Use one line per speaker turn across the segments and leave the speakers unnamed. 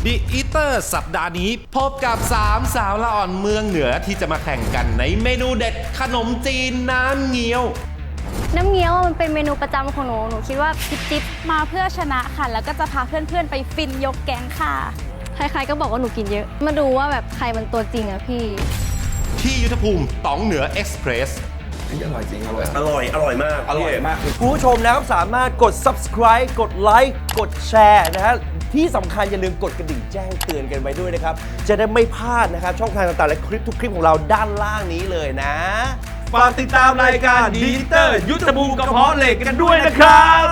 The Eater สัปดาห์นี้พบกับ3 สาวละอ่อนเมืองเหนือที่จะมาแข่งกันในเมนูเด็ดขนมจีนน้ำเงี้ยว
น้ำเงี้ยวมันเป็นเมนูประจำของหนูคิดว่าจิ๊บ
มาเพื่อชนะค่ะแล้วก็จะพาเพื่อนๆไปฟินยกแก๊งค่ะ
ใครๆก็บอกว่าหนูกินเยอะมาดูว่าแบบใครมันตัวจริงอะพี่
ที่ยุทธภูมิต๋องเหนือเอ็กซ์เพรส
อร่อยจริงอร่อย
มาก
อร่อยมาก
คุณผู้ชมนะครับสามารถกด subscribe กดไลค์กดแชร์นะฮะที่สำคัญอย่าลืมกดกระดิ่งแจ้งเตือนกันไว้ด้วยนะครับจะได้ไม่พลาดนะครับช่องทางต่างๆและคลิปทุกคลิปของเราด้านล่างนี้เลยนะ
ฝากติดตามรายการดีเตอร์ยุทธภูมิกระเพาะเหล็กกันด้วยนะครับ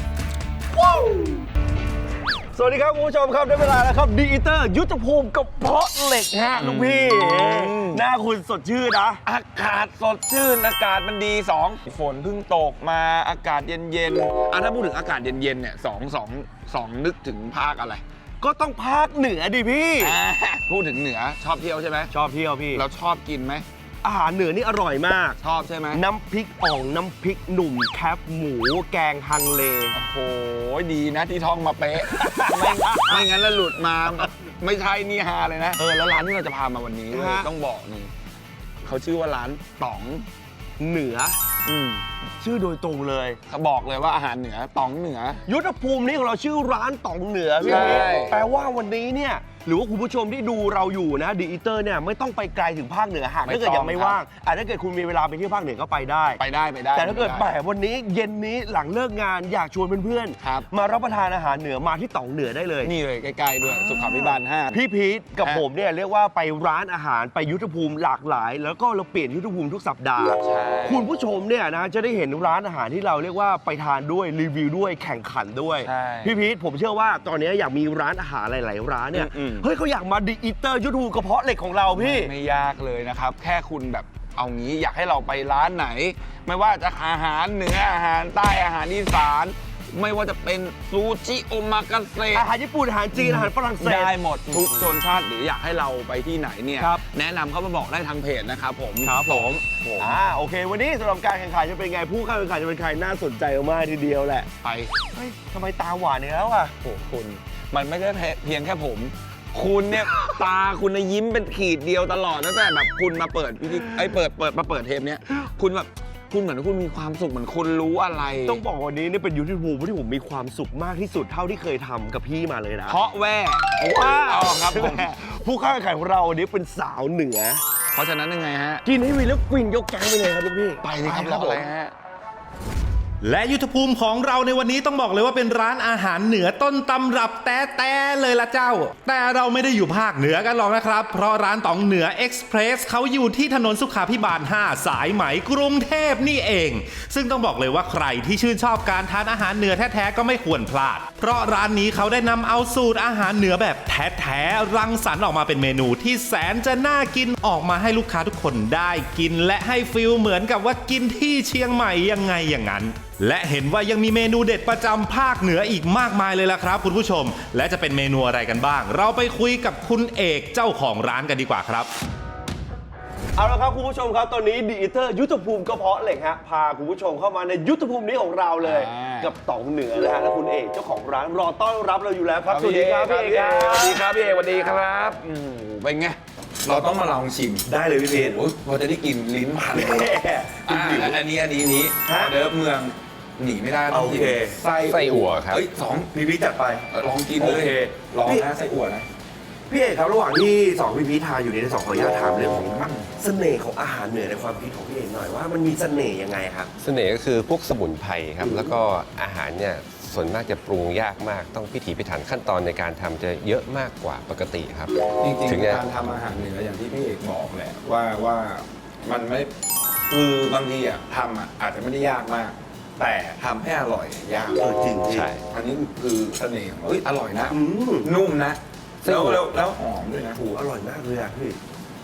สวัสดีครับคุณผู้ชมครับได้เวลาแล้วครับดีเตอร์ยุทธภูมิกระเพาะเหล็กฮะลุงพี่หน้าคุณสดชื่นนะ
อากาศสดชื่นอากาศมันดีฝนเพิ่งตกมาอากาศเย็นๆถ้าพูดถึงอากาศเย็นๆเนี่ยสองนึกถึงภาคอะไร
ก็ต้องภาคเหนือดิพี่
พูดถึงเหนือชอบเที่ยวใช่ไหม
ชอบเที่ยวพี่
เราชอบกินไหม
อาหารเหนือนี่อร่อยมาก
ชอบใช่ไหม
น้ำพริกอ่องน้ำพริกหนุ่มแคบหมูแกงฮังเล
โอ้โหดีนะที่ท่องมาเป๊ะไม่งั้นแล้วหลุดมาไม่ใช่นี่ฮาเลยนะแล้วร้านที่เราจะพามาวันนี้ต้องบอกหนึ่งเขาชื่อว่าร้านต๋อง
เหนือชื่อโดยตรงเลย
เขาบอกเลยว่าอาหารเหนือต๋องเหนือ
ยุทธภูมินี้ของเราชื่อร้านต๋องเหนือพี่แปลว่าวันนี้เนี่ยหรือว่าคุณผู้ชมที่ดูเราอยู่นะดีอีเตอร์เนี่ยไม่ต้องไปไกลถึงภาคเหนือหากถ้าเกิดยังไม่ว่างถ้าเกิดคุณมีเวลาไปเที่ยวภาคเหนือก็ไปได้แต่ถ้าเกิดแบบวันนี้เย็นนี้หลังเลิกงานอยากชวนเพื่อนๆมารับประทานอาหารเหนือมาที่ต๋องเหนือได้เลย
นี่เลยใกล้ๆด้วยสุขาภิบาล5
พี่พีทกับผมเนี่ยเรียกว่าไปร้านอาหารไปยุทธภูมิหลากหลายแล้วก็เราเปลี่ยนยุทธภูมิทุกสัปดาห์คุณผู้ชมเนี่ยนะจะได้เห็นร้านอาหารที่เราเรียกว่าไปทานด้วยรีวิวด้วยแข่งขันด้วยพี่พีทผมเชื่อว่าตอนนี้อยากมีร้านอาหารหลายๆร้านเนี่ยเฮ้ยเขาอยากมาดีอีเตอร์ยุทธภูมิกระเพาะเหล็กของเราพี่
ไม่ยากเลยนะครับแค่คุณแบบเอางี้อยากให้เราไปร้านไหนไม่ว่าจะอาหารเหนืออาหารใต้อาหารอีสานไม่ว่าจะเป็นซูชิโอมากาเสะ
อาหารญี่ปุ่นอาหารจีนอาหารฝรั่งเศส
ได้หมดทุกชนชาติหรืออยากให้เราไปที่ไหนเนี่ยแนะนำเข้ามาบอกได้ทางเพจนะครับผม
โอเควันนี้สำหรับการแข่งขันจะเป็นไงผู้เข้าแข่งขันจะเป็นใครน่าสนใจมากทีเดียวแหละ
ไป
เฮ้ยทำไมตาหวานอย่างแล้วอ่ะ
โอ้คุณมันไม่ได้เพียงแค่ผมคุณเนี่ยตาคุณยิ้มเป็นขีดเดียวตลอดตั้งแต่แบบคุณมาเปิดมาเปิดเทปเนี้ยคุณแบบคุณเหมือนคุณมีความสุขเหมือนคุณรู้อะไร
ต้องบอกวันนี้นี่เป็นยุทธภูมิที่ผมมีความสุขมากที่สุดเท่าที่เคยทำกับพี่มาเลยนะ
เพราะว้าวครับผม
ผู้เข้าแข่งขันของเราวันนี้เป็นสาวเหนือ
เพราะฉะนั้นยังไงฮะ
กินให้วีแล้วฟินยกแก๊งไปเลยครับลูกพี่
ไปเลยครับรออะไรฮะ
และยุทธภูมิของเราในวันนี้ต้องบอกเลยว่าเป็นร้านอาหารเหนือต้นตำรับแต้ๆเลยละเจ้าแต่เราไม่ได้อยู่ภาคเหนือกันหรอกนะครับเพราะร้านต๋องเหนือเอ็กซ์เพรสเขาอยู่ที่ถนนสุขาภิบาล5สายไหมกรุงเทพนี่เองซึ่งต้องบอกเลยว่าใครที่ชื่นชอบการทานอาหารเหนือแท้ๆก็ไม่ควรพลาดเพราะร้านนี้เขาได้นำเอาสูตรอาหารเหนือแบบแท้ๆรังสรรค์ออกมาเป็นเมนูที่แสนจะน่ากินออกมาให้ลูกค้าทุกคนได้กินและให้ฟีลเหมือนกับว่ากินที่เชียงใหม่ยังไงอย่างนั้นและเห็นว่ายังมีเมนูเด็ดประจำภาคเหนืออีกมากมายเลยล่ะครับคุณผู้ชมและจะเป็นเมนูอะไรกันบ้างเราไปคุยกับคุณเอกเจ้าของร้านกันดีกว่าครับ
เอาละครับคุณผู้ชมครับตอนนี้ดีอีเตอร์ยุทธภูมิกระเพาะเหล็กฮะพาคุณผู้ชมเข้ามาในยุทธภูมินี้ของเราเลยกับต๋องเหนือนะฮะและคุณเอกเจ้าของร้านรอต้อนรับเราอยู่แล้วครับสวัสดีครับพี่เอก
สวัสดีครับพี่เอกสวัสดีครับเป็นไงเราต้องมาลองชิม
ได้เลยพี่เพชร
พอจะได้กินลิ้นพันอันนี้เดิมเมืองหนีไม่ได้
โอเค
ไส้อั่วครับ
พี่จัดไป
ลองกินเลยลองนะไส้อั่วนะ
พี่เอกครับระหว่างที่พี่ทานอยู่ใน2ขออนุญาตถามเรื่องของเสน่ห์ของอาหารเหนือในความคิดของพี่เอกหน่อยว่ามันมีเสน่ห์ยังไงครับ
เสน่ห์ก็คือพวกสมุนไพรครับแล้วก็อาหารเนี่ยส่วนมากจะปรุงยากมากต้องพิถีพิถันขั้นตอนในการทำจะเยอะมากกว่าปกติครับ
จริงๆการทำอาหารเหนืออย่างที่พี่เอกบอกแหละว่ามันไม่คือบางทีทำอาจจะไม่ได้ยากมากแต่ทำให้อร่อยยาก
จริง
ใช่
อันนี้คือเสน่ห์อร่อยนะนุ่มนะแล้วหอมด้วยนะ
อร่อยมากเลยอ่ะพี่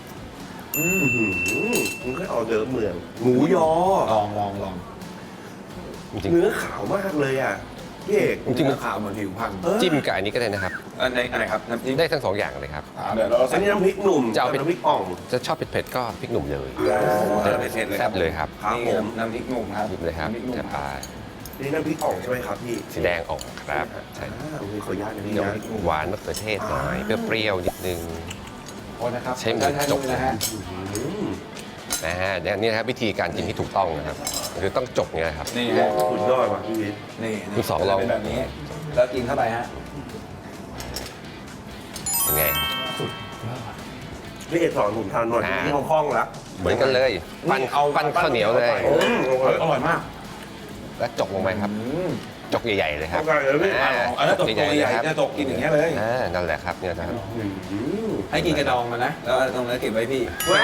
มันก็ออกเดิมเมืองหมูยอ
ลอง
เนื้อขาวมากเลยอ่ะพี่เอก
จริง
ขาวเหมือนผิวพรรณ
จิ้มกับอันนี้ก็ได้นะครับ
อะไรครับน้ำจิ้ม
ได้ทั้ง2อย่างเลยครับ
เดี๋ยวเรา
อันนี้น้ำพริกหนุ่ม
จะเอา
น้ำพริกอ่อง
จะชอบเผ็ดๆก็พริกหนุ่มเลย
เผ็ดเลย
แซ่บเลยครับ
น้ำพริกหนุ่มครับ
หยิบเลยครับจะปลา
นี่น้ำพริกอ่องใช่ไหมครับพี่
สีแดงออกครับใช่
มีขออนุญาตนะพี่
เดี๋ยว
นะ
หวานมะเขือเทศหน่อยเปรี้ยวๆนิดนึง
โอ้นะครับ
ใช้มือจก
นะฮะ
นะฮะนี่นะครับวิธีการกินที่ถูกต้องนะครับคือต้องจกเนี่ยนะครับ
นี่ฮะ
สุดยอดว่ะพี่วิทย์
นี่
คุณสองลอง
เป็นแบบนี้ แล้วกินเข้าไปฮะ
ยังไง
พี่เอกสอนผมทานหน่อย
อ่า
ที่คล่องๆแล้ว
เหมือนกันเลยปั้นข้าวเหนียวเลย
อร่อยมาก
แล้วจกลงไปครับ จกใหญ่ๆเลยครับ
เข้าใจเลยพี่
อันนั้นตกตัวใหญ่
ๆเลยครับ
จะตกกินอย่างเงี้ยเลย
นั่นแหละครับเนี่ยนะครับ
ให้กินกระดองมานะ แล้วตรงนั้นเก็บไว้พี่
ว้าว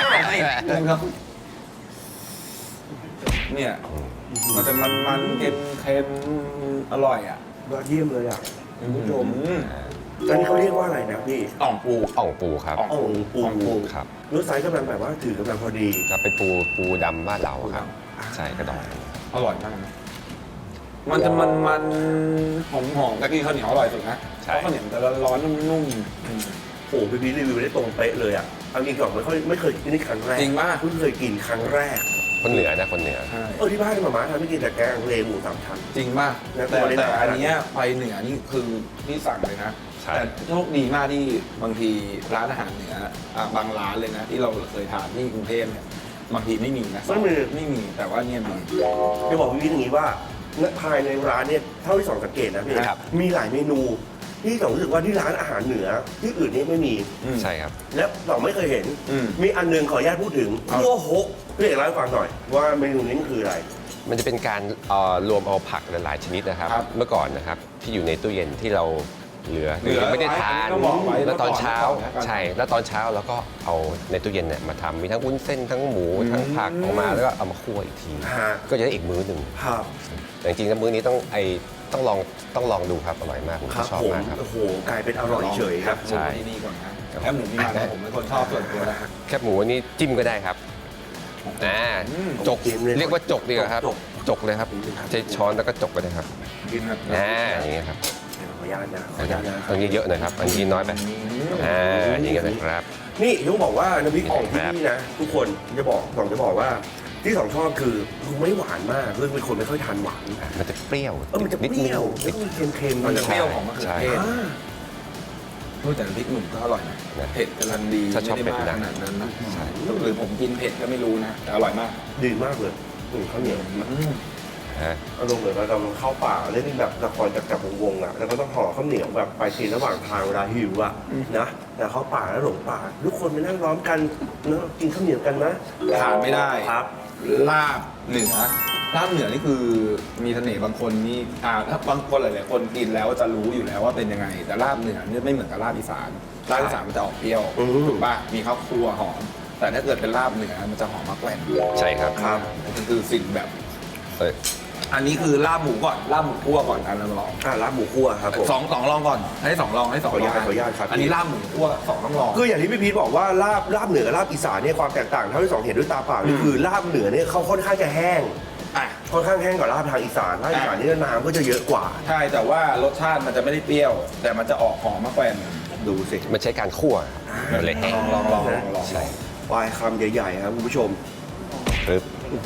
เนี่ยมันจะมันๆเค็มอร่อยอ่ะ
ยอดเยี่ยมเลยอ่ะคุณผู้ชม
อืม
อันนี้เขาเรียกว่าอะไรนะพี่
อ่องปู
อ่องปูครับ
อ่องปู
ครับ
เนื้อไซส์กำลังแบบว่าถือกำลังพอดี
ครับเป็นปูดำบ้านเราครับ ใช่กระดอง
อร่อยมากนะมันจะมันหอมๆแล้วกินข้าวเหนียวอร่อยสุดนะ
ใช่
เพราะข้าวเหนียวมันจะร้อนๆนุ่ม
โอ้พี่พีรีวิวได้ตรงเป๊ะเลยอ่ะเอาจริงก่อนไม่เคยกินนี่ครั้งแรก
จริงป่ะ
เพิ่งเคยกินครั้งแรก
คนเหนือนะคนเหนือ
ใช่
ที่บ้านหมาม่าทำไม่กินแต่แกงเลหมูสามชั้น
จริงป่ะ
แล้ว
แต่
ตัวเล็ก
อันเนี้ยไปเหนือนี่คือพี่สั่งเลยนะ
ใช่
แต่โชคดีมากที่บางทีร้านอาหารเหนือบางร้านเลยนะ ที่เราเคยทานที่กรุงเทพเนี่ยบางทีไม่มีนะ ไม่มีแต่ว่าเนี่ยมี
จะบอกพี่พีอย่างนี้ว่าภายในร้านเนี่ยเท่าที่สองสังเกตนะพี่
ครับ
มีหลายเมนูที่สองรู้สึกว่าที่ร้านอาหารเหนือที่อื่นนี่ไม่มี
ใช่ครับ
และสองไม่เคยเห็น
อืม
มีอันหนึงขออนุญาตพูดถึงคั่วฮกพี่เอกเล่าให้ฟังหน่อยว่าเมนูนี้มันคืออะไร
มันจะเป็นการรวมเอาผักหลายๆชนิดนะครับ
ครับ
เมื่อก่อนนะครับที่อยู่ในตู้เย็นที่เราเหลือ
เหลือ
ไม่ได้ทาน
ไว้ต้องบอกไว้
แล้วตอนเช้า
เมื่อก่อน
ใช่ แล้วตอนเช้าเราก็เอาในตู้เย็นเนี่ยมาทำมีทั้งวุ้นเส้นทั้งหมูทั้งผักออกมาแล้วก็เอามาคั่วอีกที
ฮะ
ก็จะได้อีกมื้อหนึ่ง
ครับ
แต่จริงๆแล้วมื้อนี้ต้องลองดูครับอร่อยมากผม
ครับ
ชอบ
ผม
มากครับ
โอ้โหกลายเป็นอร่อยเฉยครับ
ใช่
ที่นี่ก่อนนะแคบหมูนี่มาผมเป็นคนชอบส่วนตัวนะ
แคบหมูนี่จิ้มก็ได้ครับจก
จิ้มเลย
เรียกว่าจกดีกว่าครับ
จก
จกเลยครับใช้ช้อนแล้วก็จกไปเลยครับ
กินแบบ
อย่างเงี้ยครับ
ขออนุญาตนะขออนุญาตนะ
ตรงนี้เยอะหน่อยครับอันนี้น้อยไปอย่างเงี้ยนะครับ
นี่ต้องบอกว่าน้ำพริกอ่องที่นี่นะทุกคนจะบอกว่าที่สองชอบคือไม่หวานมากคือเป็นคนไม่ค่อยทานหวาน
มันจะเปรี้ยว
มันจะเปรี้ยวแล้วก็มีเค็มๆ
มันจะเปรี้ยวของมะเขือเทศ
อ่า
รู้แต่พริกหนุ่มก็อร่อยนะ
นะ
เผ็ดกำลังดี
ถ้าชอบ
ไม่ได้มาก
เผ็ดนะ
ขนาดนั้นนะ
ใช่
หรือผมกินเผ็ดก็ไม่รู้นะแต่อร่อยมาก
ดีมากเลยข้าวเหนียว
ฮะ
อารมณ์เหมือนเราเข้าป่าเล่นแบบละครจับวงๆอ่ะแล้วก็ต้องห่อข้าวเหนียวแบบไปทีระหว่างทางเวลาหิวอ่ะนะแต่เข้าป่าแล้วหลงป่าทุกคนไปนั่งล้อมกันเนอะกินข้าวเหนียวกันนะ
ขาดไม่ได้
ครับ
ลาบเหนือลาบเหนือนี่คือมีเสน่ห์บางคนนี่ถ้าบางคนหลายๆคนกินแล้วจะรู้อยู่แล้วว่าเป็นยังไง แต่ลาบเหนือเนี่ยไม่เหมือนกับลาบอีสานลาบอีสานมันจะออกเปรี้ยว
อืม
ถูกป่ะมีข้าวคั่วหอมแต่ถ้าเกิดเป็นลาบเหนือมันจะหอมมากแกว่น
ใช่ครับ
ครับ
มันคือสิ่งแบบ
เอ้ย
อันนี้คือลาบหมูก่อนลาบหมูคั่วก่อนอันละลอง
ลาบหมูคั่วครับผม
สองลองก่อนให้สองลองให้สองลอง
ขออนุญาตครับ
อันนี้ลาบหมูคั่วสองต้องลอง
คืออย่างที่พี่พีทบอกว่าลาบเหนือกับลาบอีสานเนี่ยความแตกต่างเท่าที่สองเห็นด้วยตาเปล่านี่คือลาบเหนือเนี่ยเขาค่อนข้างจะแห้ง
อ่ะ
ค่อนข้างแห้งกว่าลาบทางอีสานลาบอีสานนี่น้ำก็จะเยอะกว่า
ใช่แต่ว่ารสชาติมันจะไม่ได้เปรี้ยว แต่มันจะออกหอมมากแกว่น
ดูสิ
มันใช้การคั่วมันเลยแห้ง
ลอง
ใช่
ปลายคำใหญ่ๆครับคุณผู้ชม
ปึ๊บ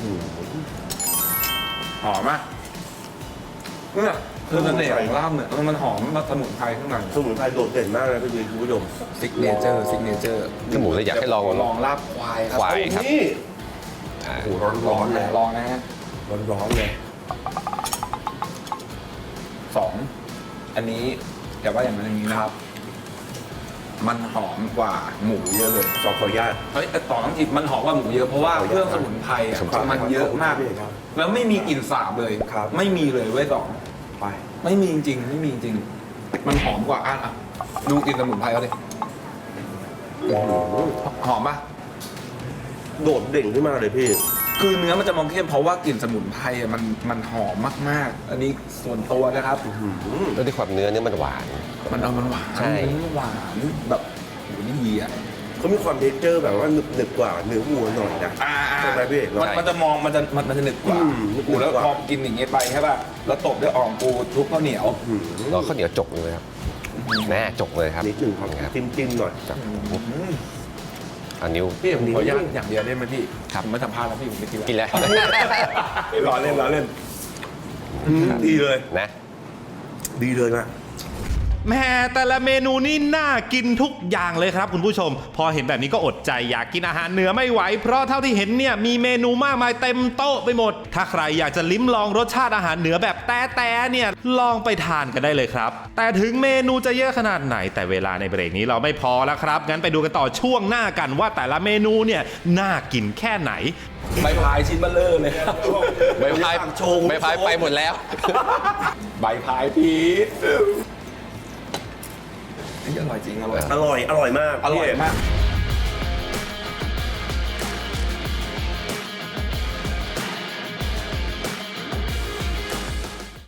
หอมอ่ะเนี่ยคือเสน่ห์ของลาบเนี่ยมันหอมมันสมุนไพรข้างใน
สมุนไพรโดดเด่นมากเลยพี่พีทคุณผู้ชม
ซิกเนเจอร์
ถ้าหมูเลยอยากให้ลอง
ลองลาบควายครับ
ควายครับ
นี่
อ่า
โอ้โหร้อนๆเลย
ลองนะฮะ
ร้อนๆเลย
สองอันนี้แต่ว่าอย่างนั้นอย่างนี้นะครับ มันหอมกว่าหมูเยอะเลย
ขออนุญาต
เฮ้ยแต่ต่อต้องจิบมันหอมกว่าหมูเยอะเพราะว่าเครื่องสมุนไพรอะมันเยอะมาก แล้วไม่มีกลิ่นสาบเลย
ครับ
ไม่มีเลยเว้ยต่อ
ไป
ไม่มีจริงๆไม่มีจริง มันหอมกว่าอ่ะดูกลิ่นสมุนไพรเขาดิหอมปะ
โดดเด่นขึ้นมาเลยพี่
คือเนื้อมันจะมองเข้มเพราะว่ากลิ่นสมุนไพรอะมันหอมมากๆ อันนี้ส่วนตัวนะครับ
แล้วด้วยความเนื้อมันหวาน
มันหวาน
ใช่
มันหวานแบบโหนี่ดีอ่ะ
เขามีความเท็กเจอร์แบบว่าหนึบๆกว่าเนื้อวัวหน่อยนะ ใช่ไหมพี่เอกเนอะ
มันจะมองมันจะหนึบกว่า
หนึบกว่า
กูแล้วพอกินอย่างเงี้ยไปใช่ป่ะแล้วตบด้วยอ่อมปูทุบข้าวเหนียว
แล้วข้าวเหนียวจกเลยครับแม่จกเลยครับ
นิดหนึ่งครับ
ครับ
จิ้มๆหน่อย
จับอันนิ้ว
พี่ผมขออนุญาตอย่างเดียวได้ไหมพี่
ครับ
ผมไม่สัมภาษณ์แล้วพี่ผมไม่กิน
กินแล้ว
ล้อเล่น
ดีเลย
นะ
ดีเลยนะ
แหม่แต่ละเมนูนี่น่ากินทุกอย่างเลยครับคุณผู้ชม พอเห็นแบบนี้ก็อดใจอยากกินอาหารเหนือไม่ไหวเพราะเท่าที่เห็นเนี่ยมีเมนูมากมายเต็มโต๊ะไปหมด ถ้าใครอยากจะลิ้มลองรสชาติอาหารเหนือแบบแต่เนี่ยลองไปทานกันได้เลยครับ แต่ถึงเมนูจะเยอะขนาดไหนแต่เวลาในเบรกนี้เราไม่พอแล้วครับงั้นไปดูกันต่อช่วงหน้ากันว่าแต่ละเมนูเนี่ยน่ากินแค่ไหน
ใบพายชิ้นเบลเลอร์เลยครับ
ใบพายไปหมดแล้ว
ใบพายพีชนี่อร่อยจริงอร่อย
อร่อยมาก
อร่อยมาก